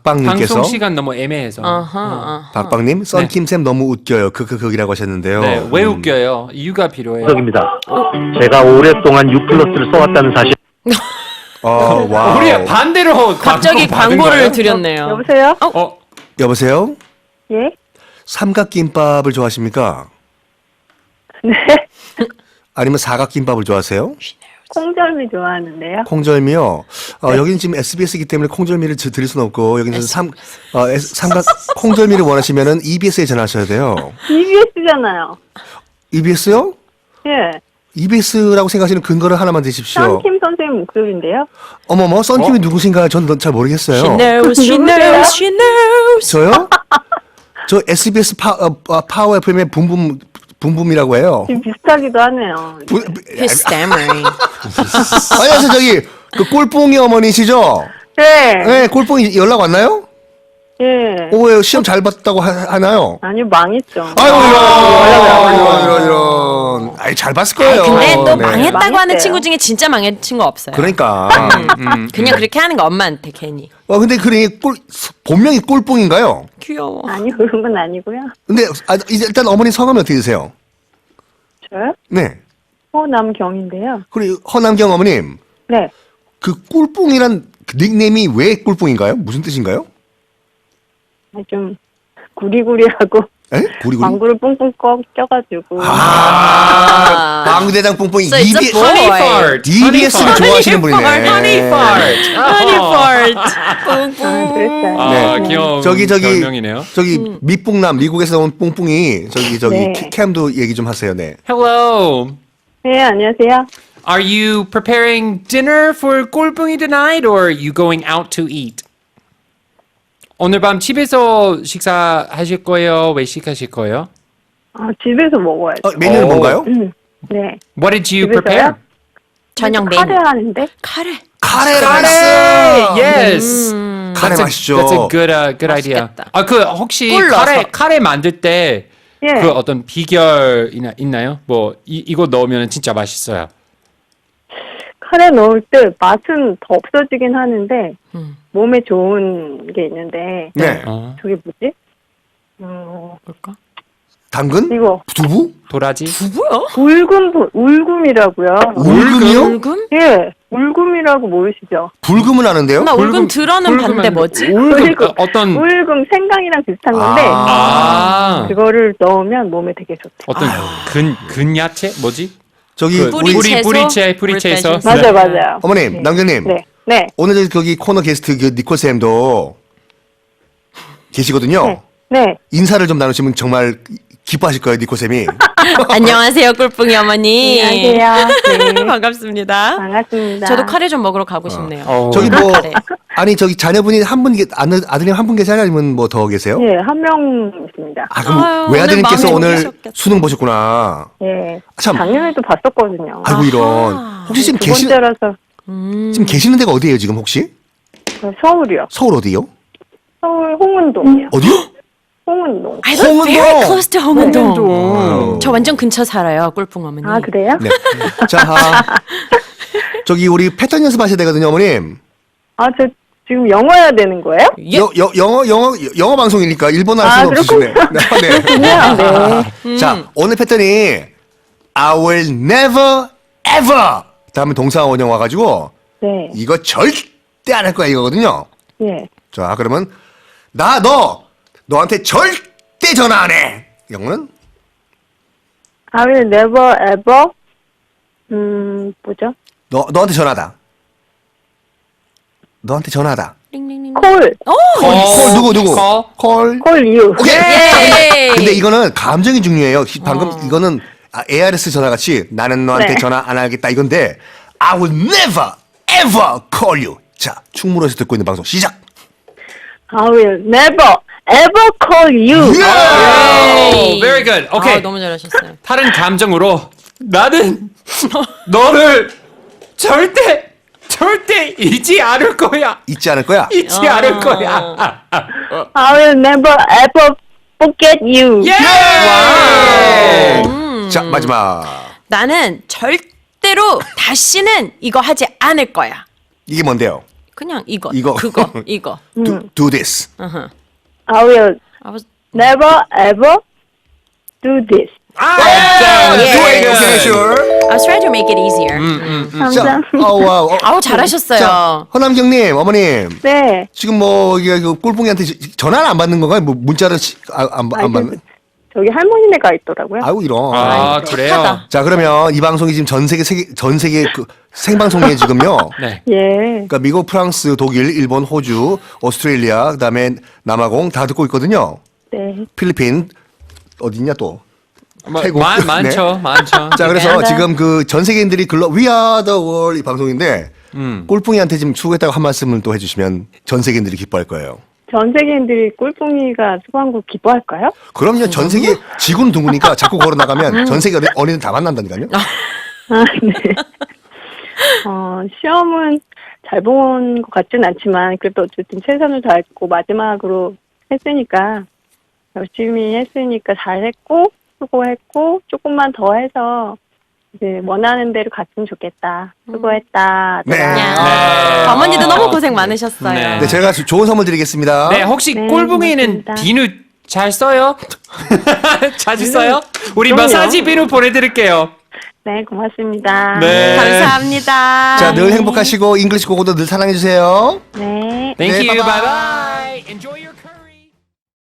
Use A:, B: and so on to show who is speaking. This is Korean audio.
A: 박빵님께서
B: 방송 시간 너무 애매해서.
A: 박빵님 썬킴쌤 너무 웃겨요. 그이라고 하셨는데요.
B: 네, 왜 웃겨요? 이유가 필요해요.
C: 입니다. 제가 오랫동안 U+를 써왔다는 사실.
A: 와.
B: 우리 반대로
D: 갑자기
B: 받은
D: 광고를
B: 거예요?
D: 드렸네요.
E: 여보세요?
A: 여보세요?
E: 예?
A: 삼각김밥을 좋아하십니까?
E: 네.
A: 아니면 사각김밥을 좋아하세요?
E: 콩절미 좋아하는데요.
A: 콩절미요. 여기는 지금 SBS이기 때문에 콩절미를 드릴 수는 없고 여기는 삼각 콩절미를 원하시면은 EBS에 전화하셔야 돼요.
E: EBS잖아요.
A: EBS요?
E: 예.
A: EBS라고 생각하시는 근거를 하나만 대십시오.
E: 썬킴 선생님 목소리인데요.
A: 어머머, 썬킴이 누구신가 전 잘 모르겠어요.
D: She knows, she knows, she knows.
A: 저요? 저 SBS 파워 FM의 붐붐이라고 해요.
E: 지금 비슷하기도 하네요.
D: He's stammering.
A: 안녕하세요, 저기 그 꼴뽕이 어머니시죠?
E: 네.
A: 네, 꼴뽕이 연락 왔나요?
E: 예.
A: 왜 시험 잘 봤다고 하나요?
E: 아니요, 망했죠.
A: 이런. 아이, 잘 봤을 거예요.
D: 근데 또
A: 네.
D: 망했다고 하는
E: 망했대요.
D: 친구 중에 진짜 망한 친구 없어요.
A: 그러니까.
D: 그냥 그렇게 하는 거 엄마한테 괜히.
A: 근데 본명이 꼴뽕인가요?
D: 귀여워.
E: 아니, 그런 건 아니고요.
A: 근데 이제 일단 어머니 성함이 어떻게 되세요?
E: 저요?
A: 네.
E: 호남경인데요.
A: 그리고 허남경 어머님,
E: 네.
A: 그 꿀뽕이란 그 닉네임이 왜 꿀뽕인가요? 무슨 뜻인가요?
E: 좀 구리구리하고
A: 에? 구리구리?
E: 방구를 뿡뿡 껴가지고.
A: 방구대장 뽕뽕이
D: So it's a boy.
B: Honey fart.
A: EBS를 좋아하시는 분이네.
B: Honey fart.
D: Honey fart.
E: 아, 그랬어요.
B: 아, 귀여운
A: 저기
B: 별명이네요.
A: 밑봉남 미국에서 온 뽕뽕이 저기
E: 네.
A: 캠도 얘기 좀 하세요. 네.
B: Hello.
E: 네, 안녕하세요.
B: Are you preparing dinner for 꼴뽕이 tonight or are you going out to eat? 오늘 밤 집에서 식사하실 거예요? 외식하실 거예요?
E: 집에서 먹어야죠.
A: 메뉴는 뭔가요?
E: 네.
B: What did you
E: 집에서요?
B: prepare?
D: 저녁 메뉴.
E: 카레 하는데?
D: 카레.
A: 카레
B: Yes.
A: 카레
B: That's
A: 맛있죠.
B: That's a good idea.
D: 맛있겠다.
B: 혹시
D: 꿀 넣어서.
B: 카레 만들 때
E: 예.
B: 그 어떤 비결 있나요? 뭐 이거 넣으면 진짜 맛있어요.
E: 카레 넣을 때 맛은 더 없어지긴 하는데 몸에 좋은 게 있는데
A: 네.
E: 저게 뭐지?
D: 뭘까?
A: 당근?
E: 이거
A: 두부?
B: 도라지?
D: 뭐야?
E: 울금이라고요.
A: 울금이요?
D: 울금?
E: 예, 울금이라고 모르시죠?
A: 불금은 아는데요?
D: 나 울금 들어는 봤는데 뭐지?
B: 울금 어떤
E: 울금 생강이랑 비슷한 건데 그거를 넣으면 몸에 되게 좋대.
B: 어떤 근야채 뭐지?
A: 저기
B: 뿌리채에서
E: 맞아요.
A: 어머님, 남경님.
E: 네.
A: 오늘 거기 코너 게스트 그 니콜 쌤도 계시거든요.
E: 네.
A: 인사를 좀 나누시면 정말 기뻐하실 거예요, 니콜 쌤이.
D: 안녕하세요, 꿀뿡이 어머니.
E: 안녕하세요. 네.
D: 반갑습니다.
E: 반갑습니다.
D: 저도 카레 좀 먹으러 가고 싶네요.
A: 저기
D: 카레.
A: 저기 자녀분이 한 분, 아드님 한 분 계세요? 아니면 뭐 더 계세요?
E: 예, 한 명 있습니다.
A: 그럼
D: 아유,
A: 외아드님께서
D: 오늘
A: 오늘
D: 마음에 드셨겠다.
A: 수능 보셨구나.
E: 예.
A: 참.
E: 작년에도 봤었거든요.
A: 아이고 이런. 혹시 지금
E: 두 번째라서
A: 지금 계시는 데가 어디예요, 지금 혹시?
E: 서울이요.
A: 서울 어디요?
E: 서울 홍은동이요.
A: 어디요?
E: 홍은동.
D: I live very close to 홍은동.
A: 와우.
D: 저 완전 근처 살아요, 꿀뿡 어머니.
E: 아, 그래요?
A: 네. 자, 저기 우리 패턴 연습하셔야 되거든요, 어머님.
E: 저 지금 영어 해야 되는 거예요?
D: 예.
A: 영어 방송이니까 일본어 할 수는 없으시네.
E: 네.
A: 자, 오늘 패턴이 I will never ever 다음에 동사 원형 와가지고
E: 네.
A: 이거 절대 안 할 거야 이거거든요.
E: 예.
A: 자, 그러면 너한테 절대 전화 안 해. 영어는
E: I will never ever 뭐죠?
A: 너한테 전화다. 너한테 전화다.
E: call
A: 콜 누구? 콜.
E: call you.
A: 오케이.
D: 예.
A: 근데 이거는 감정이 중요해요. 방금 이거는 ARS 전화 같이 나는 너한테
E: 네.
A: 전화 안 하겠다 이건데 I will never ever call you. 자, 충무로에서 듣고 있는 방송 시작.
E: I will never ever call you.
B: Oh, very good. 오케이.
D: 너무 잘하셨어요.
B: 다른 감정으로 나는 너를 절대 잊지 않을 거야.
A: 잊지 않을 거야.
B: 잊지 않을 거야.
E: I will never ever forget you.
B: 예!
A: 자, 마지막.
D: 나는 절대로 다시는 이거 하지 않을 거야.
A: 이게 뭔데요?
D: 그냥 이거.
A: 이거.
D: 그거. 이거.
A: do this.
E: I will
D: I was
E: never ever do this.
D: 예.
A: do it. Okay, sure.
D: I was trying to make it easier.
A: 자,
E: 감사합니다.
A: 와우.
D: 아우 잘하셨어요.
A: 자, 허남경님, 어머님.
E: 네.
A: 지금 뭐 이게 그 꼴뽕이한테 전화를 안 받는 건가요? 뭐 문자를 안 받는?
E: 저기 할머니네가 있더라고요.
A: 아이고 이런.
B: 아, 그래요?
D: 착하다.
A: 자 그러면 이 방송이 지금 전 세계 그 생방송에 지금요.
B: 네.
E: 예.
A: 그러니까 미국, 프랑스, 독일, 일본, 호주, 오스트레일리아, 그다음에 남아공 다 듣고 있거든요.
E: 네.
A: 필리핀 어딨냐 또?
B: 뭐,
A: 태국.
B: 많죠. 많죠.
A: 자 그래서
D: 미안하다.
A: 지금 그 전 세계인들이 We Are the World 이 방송인데 꼴뽕이한테 지금 수고했다고 한 말씀을 또 해주시면 전 세계인들이 기뻐할 거예요.
E: 전 세계인들이 꿀뿡이가 수고한 거 기뻐할까요?
A: 그럼요. 전 세계 지구는 둥그니까 자꾸 걸어 나가면 전 세계 어린이들 다 만난다니까요.
E: 아, 네. 시험은 잘 본 것 같진 않지만 그래도 어쨌든 최선을 다했고 마지막으로 했으니까 열심히 했으니까 잘했고 수고했고 조금만 더 해서 이제 원하는 대로 갔으면 좋겠다. 수고했다.
A: 네.
B: 네.
D: 어머니도 너무 고생 많으셨어요.
B: 네.
A: 네, 제가 좋은 선물 드리겠습니다.
B: 네, 혹시
E: 네,
B: 꼴붕이는
E: 고맙습니다.
B: 비누 잘 써요? 자주
E: 비누,
B: 써요? 우리
E: 그럼요.
B: 마사지 비누 보내드릴게요.
E: 네, 고맙습니다.
B: 네.
D: 감사합니다.
A: 자, 늘 행복하시고 잉글리시 고고도 늘 사랑해 주세요.
E: 네.
B: Thank
A: 네,
B: you.
A: bye-bye.
B: Bye bye.